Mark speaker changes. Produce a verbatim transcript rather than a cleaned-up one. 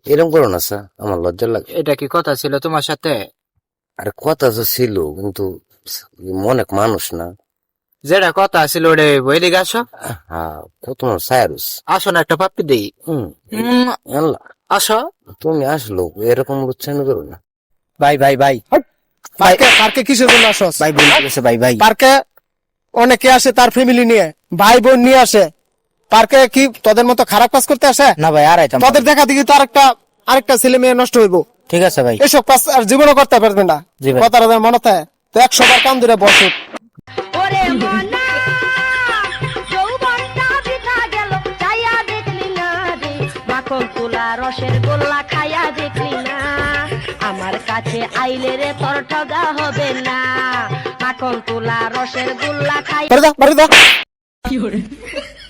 Speaker 1: এরকম করো না স্যার, আমার লজ্জা লাগে।
Speaker 2: এটা কি কথা ছিল তোমার সাথে?
Speaker 1: আরে কথা তো ছিল, কিন্তু অনেক মানুষ না।
Speaker 2: যেটা কথা ছিল ওটা বইলে আসো।
Speaker 1: হ্যাঁ, কত মানুষ সায়ারুস।
Speaker 2: আসো না একটা পাপ্পি দেই।
Speaker 1: হম
Speaker 2: উম,
Speaker 1: আল্লাহ,
Speaker 2: আসো।
Speaker 1: তুমি আসলো এরকম উচ্চারণ করো না।
Speaker 2: ভাই ভাই ভাই
Speaker 3: পার্কে পার্কে কিসের জন্য আসস?
Speaker 2: ভাই ভুল করেছে ভাই ভাই।
Speaker 3: পার্কে অনেকে আসে তার ফ্যামিলি নিয়ে, ভাই বোন নিয়ে আসে। পার্কে কি তোদের মতো খারাপ কাজ করতে আসে?
Speaker 2: না ভাই আর আইতাম না।
Speaker 3: তোদের দেখা দেখি তো আরেকটা আরেকটা ছেলে মেয়ে নষ্ট হইব।
Speaker 2: ঠিক আছে ভাই।
Speaker 3: এসব কাজ আর জীবনও করতে পারবে না।
Speaker 2: জি ভাই।
Speaker 3: কথাটা যেন মনে থাকে। তো একশো বার কান ধরে বসে।
Speaker 4: ওরে মনা যৌবনটা বৃথা গেল চাইয়া দেখলি না রে মাখন তুলা রসের গোল্লা খাইয়া দেখলি না আমার কাছে আইলে রে তোর ঠগা হবে না মাখন তুলা রসের গোল্লা খাই
Speaker 3: বাড়ি যা, বাড়ি যা।